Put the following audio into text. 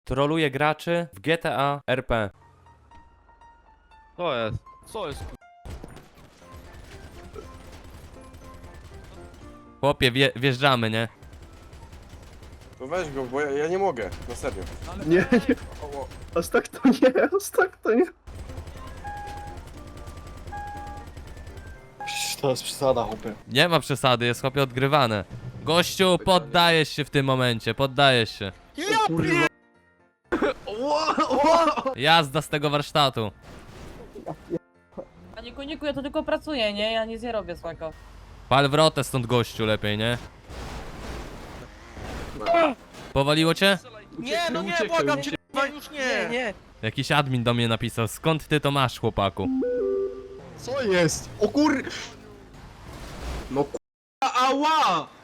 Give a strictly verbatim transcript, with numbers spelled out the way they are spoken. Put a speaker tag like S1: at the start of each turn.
S1: Troluje graczy w G T A R P.
S2: Co jest? Co jest?
S1: Chłopie, wje, wjeżdżamy, nie?
S3: To weź go, bo ja, ja nie mogę, na serio.
S4: Nie, nie,
S3: O, o.
S4: aż tak to nie, aż tak to nie. To jest przesada, chłopie.
S1: Nie ma przesady, jest chłopie odgrywane. Gościu, poddajesz się w tym momencie, poddajesz się.
S4: Kurwa.
S1: Jazda z tego warsztatu.
S5: Panie koniku, ja to tylko pracuję, nie? Ja nic nie robię złego.
S1: Pal wrotę stąd, gościu, lepiej, nie? Powaliło cię?
S2: Nie, no nie,
S4: Uciekaj,
S2: błagam cię,
S4: uciekaj.
S2: kurwa, już nie. Nie,
S1: Jakiś admin do mnie napisał, skąd ty to masz, chłopaku?
S4: Co jest? O kur... No kurwa, ała!